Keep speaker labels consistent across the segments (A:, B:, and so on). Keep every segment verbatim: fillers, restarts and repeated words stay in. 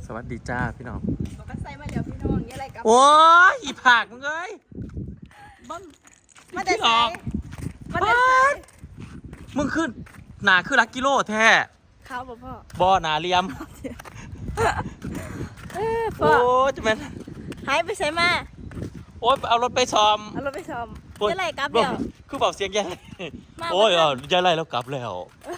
A: สวัสดีจ้าพี่น้อง
B: ก็ใส่มาเดี๋ยวพี่น้องนี่อะไรกับ
A: โอ้ยอีผักมึงเอ้ยมัน
B: มาแต่ใส่มาแต่ใส่
A: มึงขึ้นหนาคือลักกิโลแท้
B: ข้าวบ่พ่อ
A: บ่อหนาเลียมโอ้จะเป็น
B: หายไปใส่มา
A: โอ้ยเอารถไปซ้อม
B: เอารถไปซ้อมยายไรกลับแล้ว
A: คือเบาเสียงยายไรโอ้ยอ่ะยายไรแล้วกลับแล้ว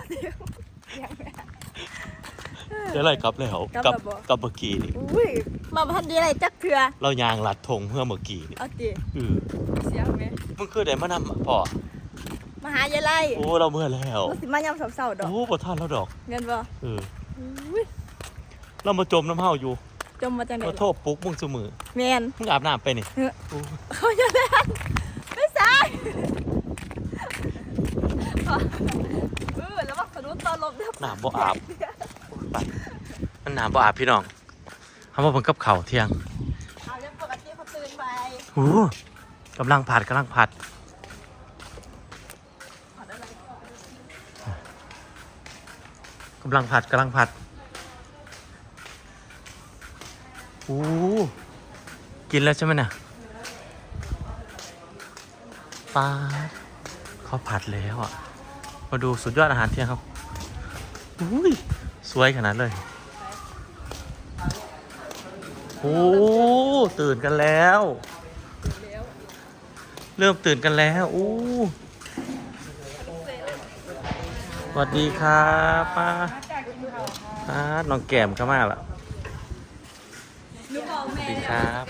A: ยายไรกลับแล้วกลับกลับเมื่อกี้นี่
B: อุ้ยมาพันดีอะไรจักเถื่อ
A: เรายางลัดธงเพื่อเมื่อกี้นี่
B: เอาดิ
A: เออ
B: เสียงไหม
A: มึงคือได้มานำพ่อ
B: มาหายายไร
A: โอ้เราเมื่อแล้ว
B: สิมายำเสาๆดอก
A: โอ้บ่ทันแล้วดอก
B: เงินบ่
A: เออเรามาจมน้ำเฮาอยู่
B: จมมาจากไหน
A: เราโทษปุ๊กมึงเสมอ
B: แมน
A: มึงอาบน้ำไปนี่
B: เขาจะเล่นไม่ใช่เออแล้วว่าสนุนตอนลมเนี่ย
A: น้ำบ่อาบไปมันน้ำบ่อาบพี่น้องทำว่าผมกับเข่าเที่ยง
B: เอาเรื่องปกติเขาตื่นไป
A: โอ้กำลังผัดกำลังผัดกำลังผัดกำลังผัดโอ้กินแล้วใช่ไหมเนี่ยปลาเขาผัดแล้วอ่ะมาดูสุดยอดอาหารเที่ยงครับอุ้ยสวยขนาดเลยโอ้ตื่นกันแล้วเริ่มตื่นกันแล้วโอ้สวัสดีครับป้าป้าน้องแก้มเข้ามาละสวัสดีครับ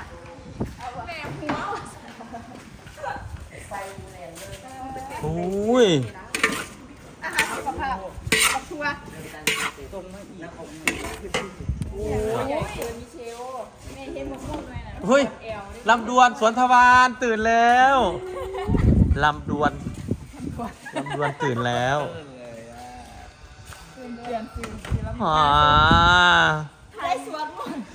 A: โอ้ย
B: อาหารสุขภาพกับทัวร์ตรงมาอีกโอ้ยเกิดมีเชลแม่เห็นหมกมุ่งเลยนะ
A: เฮ้ยลำดวนสวนทวารตื่นแล้วลำดวนลำดวนตื่นแล้ว
B: ตื่นเตือนตื่น
A: อ๋อ
B: ได้สวนหมด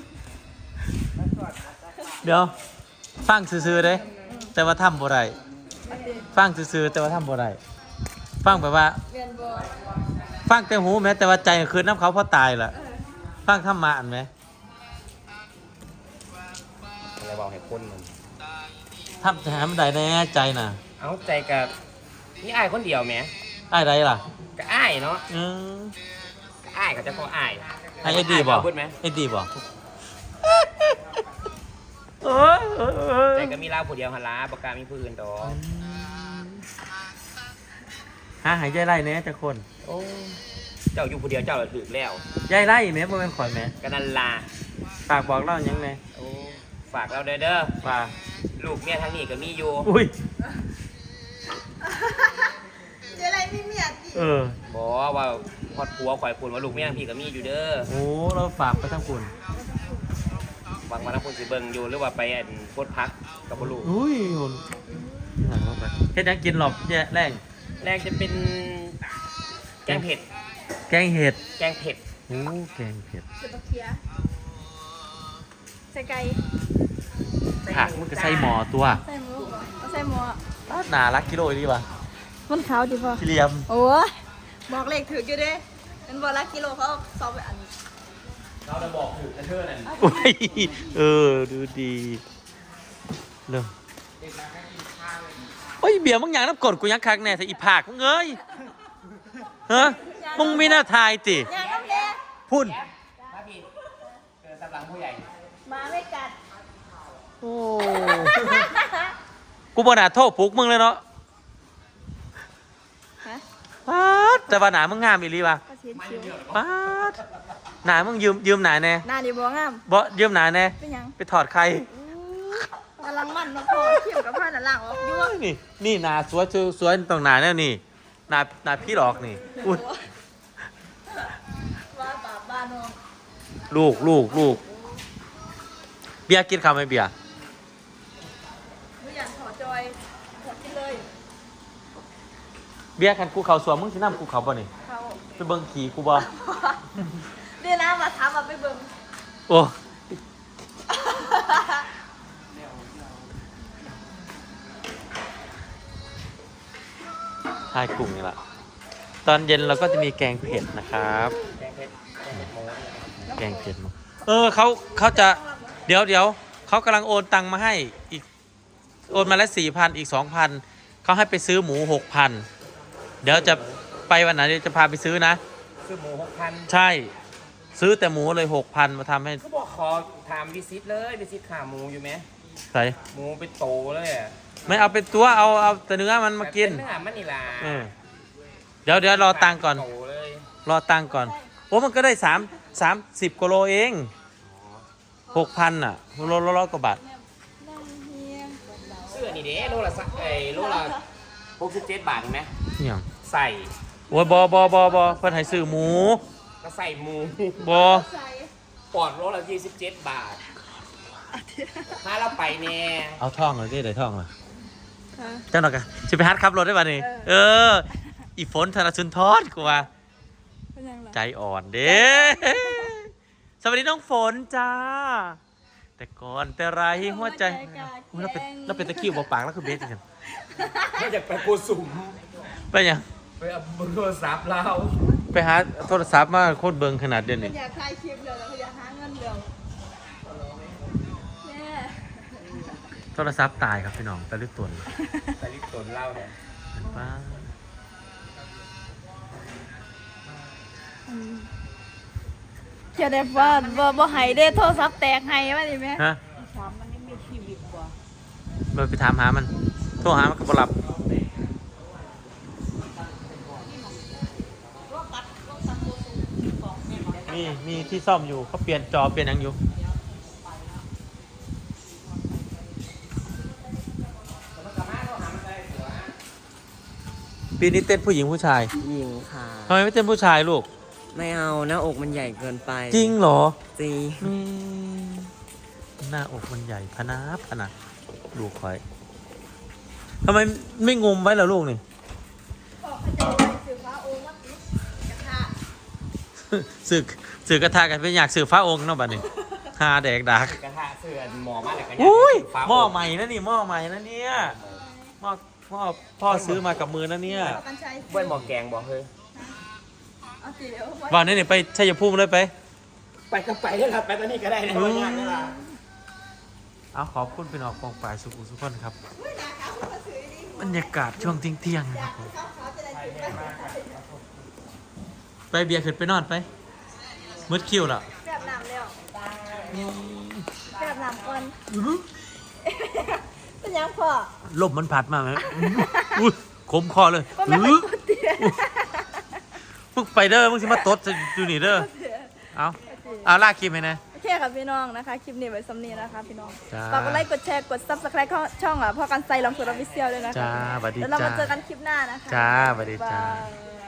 A: เดี๋ยวฟังซื่อๆเลยแต่ว่าทำบ่ได้ฟังซื่อๆแต่ว่าทำบ่ได้ฟังแบบว่าฟังแต่หูแม้แต่ว่าใจคืนน้ำเขาเพราะตายล่ะฟังธรรมะอันไหม
C: อะไรบอกให้คนมัน
A: ทำแต่หาไม่ได้แน่ใจน่ะ
C: เอาใจกับนี่อ้ายคนเดียวแหม
A: อ้ายไรล่ะ
C: ก็อ้ายเนาะ
A: อืม
C: ก็อ้ายเขาจะพออ้าย
A: ไอ้เอ็ดดี้บอกเอ็ดดี้บอก
C: ใจก็มีเราผู้เดียวหันล้าปากกามีผู้อื่นต่อ
A: หาหายใจไล่เนี่ยจะคน
C: โอ้เจ้าอยู่ผู้เดียวเจ้าถือแล้ว
A: ใจไล่แม่บ่เป็นข่อยแม่
C: ก็นั่นล่ะ
A: ฝากบอกเล่ายังไง
C: โอ้ฝากเราเด้อเด้อ
A: ฝาก
C: ลูกเมียทางนี้ก็มีอยู่
A: อุ้ย
B: เจอะไรมีเมียดิ
A: เออ
C: บอกว่าพอดผัวข่อยคุณว่าลูกเมียทางพี่ก็มีอยู่เด้อ
A: โอ้เราฝากไปทั้งคุณ
C: บางวันทั้งคุณสิเบิ่งอยู่หรือว่าไปอันโคตรพักกับลูก
A: อุ้ยเฮ็ดยังกินหรอกเนี่ยแรง
C: แรกจะเป็นแกงเผ็ด
A: แกงเห็ด
C: แกงเผ็ด
A: โอ้แกงเผ็ด
B: เสปเคียใส่ไก่
A: ผักมันก็ใส่หมอตัว
B: ใส่หมูใส่หมู
A: หนารักกิโลดีป่ะ
B: มันขาวดีป่ะ
A: เรียม
B: โอ้บอกเลขถืออยู่ดิเป็นบอลละกิโลเขาสอบไปอันนี้
C: เราจะบอกถือกระเทือนนั่น
A: เออดูดีเริ่มโอ้ยเบียร์มึงอย่างน้ำกดกูยังคักแน่แต่อีผากมึงเอ้ยฮะมึงไม่น่าทายติพุ่น
C: มาพี่เกิดตำหลังผู้ใหญ่
B: มาไม่กัด
A: โอ้กูบ่น่าโทษปุ๊กมึงเลยเนาะป๊าดแต่ว่าหนามึงงามอีหลีป่ะป๊าดหนามึงยืมยืมหนาแน่
B: หนาดีบ่งาม
A: บ่ยืมหนาแน่
B: เป็นยัง
A: ไปถอดใคร
B: กำลังมันมาพอเขี่ยวกับผ้าหนาหลังออกยั่ว
A: นี่นี่นาสวยสวยตรงหนาแน่นี่นานาพี่หลอกนี่อุ้ย
B: ว่าบาบ้านน้อง
A: ลูกลูกลูกเบียร์กินข้าวไหมเบียร์
B: ไม่อยากถอดจอยถอดกินเลย
A: เบียร์คันกูเขาสวมมึงสิน้ำกูเขาบ่นี่ไปเบิ่งขี่กูบ่
B: เดี๋ยวนะมาถามมาไปเบิ่ง
A: โอ้ทายกลุ่มนี่แหละตอนเย็นเราก็จะมีแกงเผ็ดนะครับแกงเผ็ดแกงเผ็ดเอเออเขาเขาจะเดี๋ยวเดี๋ยวเขากำลังโอนตังมาให้อีกโอนมาแล้วสี่พันอีกสองพันเขาให้ไปซื้อหมูหกพันเดี๋ยวจะไปวันไหนเดี๋ยวจะพาไปซื้อนะ
C: ซื้อหมูหกพัน
A: ใช่ซื้อแต่หมูเลยหกพันมาทำให้
C: ก็บอกขอถามวิซิตเลยวิซิตขาหมูอยู่ไหม
A: ใส่
C: หมูเป็นโตเลยอ่ะ
A: ไม่เอาเป็นตัวเอาเอาแต่เนื้อมันมากิน
C: เป็นเนื้อมันนี่ล่ะ
A: เออเดี๋ยวเดี๋ยวรอตังค์ก่อน
C: โตเลย
A: รอตังค์ก่อนโอ้มันก็ได้สามสามสิบกว่าโลเองหกพันอ่ะโลละร้อยกว่าบาท
C: เสื้อนี่เด้โลละสักไอ้โลละหกสิบเจ็ดบาทเห็นไหม
A: เนี่ย
C: ใส่
A: โอ้ยบอบอบอบอเพิ่นให้ซื้อหมู
C: ก็ใส่หมู
A: บอ
C: ปอดโลละยี่สิบเจ็ดบาทถ้าเราไปเนี่ย
A: เอาท่องเลยดิได้ท่องเลยเจ้าหน่อยกันจะไปฮัดขับรถได้ป่ะนี่เอออีฝนธนสุนทรกูว่าใจอ่อนเด้สวัสดีน้องฝนจ้าแต่ก่อนแต่ไรหัวใจอุ๊ยเราเป็นเราเป็นตะคริวบอกปากแล้วคือเบสกัน
C: ไม่อยากไปโกสุม
A: ไปยัง
C: ไปเอาเบอร์โทรศัพท์เรา
A: ไปหาโทรศัพท์มาโคตรเบิงขนาดเดียว
B: มั
A: นี่
B: นอยากถ่ายคลิปเลยแล้วก็อยากหาเงินเร็วแม่
A: โทรศัพท์ตายครับพี่น้องตะลึกตัว
C: แต่ลิปตนเล่าเนี่ย
A: เห็นป้า
B: เขียนได้ว่าบ่บ่ให้ได้โทรศัพท์แตกให้ว่าดิแม่
A: ฮะ
B: ถามมันยังมีชีวิตกว่า
A: เราไปถามหามัน โทรหามันก็บ่รับมีมีที่ซ่อมอยู่เขาเปลี่ยนจอเปลี่ยนหยังอยู่ปีนี้เต้นผู้หญิงผู้ชาย
D: หญิงค่ะ
A: ทำไมไม่เต้นผู้ชายลูก
D: ไม่เอาหน้าอกมันใหญ่เกินไป
A: จริงเหรอ
D: จริง
A: อืมหน้าอกมันใหญ่พะนาพะนาลูกคอยทำไมไม่งมไว้ล่ะลูกนี่
B: ออกเขาจะไปสื่อฟ้าโอมาติดกระทะ
A: สึกสึกกระทากันเป็นอยากสื่อฟ้าองค์เนาะบัดนี้หาแดกดัก
C: กระทะเสื้อหมอมาแต่กัน
A: อุ้ยหม้อใหม่นะนี่หม้อใหม่นะเนี่ยหม้อหม้อพ่อซื้อมากับมือนะเนี่ย
B: เอากันใช้
C: เบิ้ลหมอแกงบอกเฮ้ย
B: เอาสิเดี๋ยวไว้
A: วันนี้เนี่ยไปชัยภูมิเลยไป
C: ไปก็ไปได้ละไปตอนนี้ก็ได้นะวันนี้นี่ล่ะ
A: เอาขอบคุณเป็นออกกองปลายสุขุมสุขคนครับบรรยากาศช่วงเที่ยงๆนะครับผมไปเบียร์ขึ้นไปนอนไปมืดคิวแล้ว
B: แบบน้ำแล้วแบบน้ำก่อนเป็นยังพ่อ
A: ลมมันพัดมาไหมอุ้ยขมคอเลย
B: ก็ไม่ค่อยปวดเตี้ย
A: มึงไปเด้อมึงสิมาตดอยู่นี่เด้อเอาเอาลากคลิปให้นะ
B: โอเคค่ะพี่น้องนะคะ คลิปนี้ไว้สำนีนะคะพี่น้อง
A: จ้า
B: ฝากกดไลค์กดแชร์กด ซับสไครบ์ช่องอ่ะพ่อกันไซลองสุดออฟฟิเชียลด้วยนะคะ
A: จ้าสวัสดี
B: แล้วเรามา
A: จ้า
B: เจอกันคลิปหน้านะคะ
A: จ้าสวัสดีจ้า
B: บ๊ยบย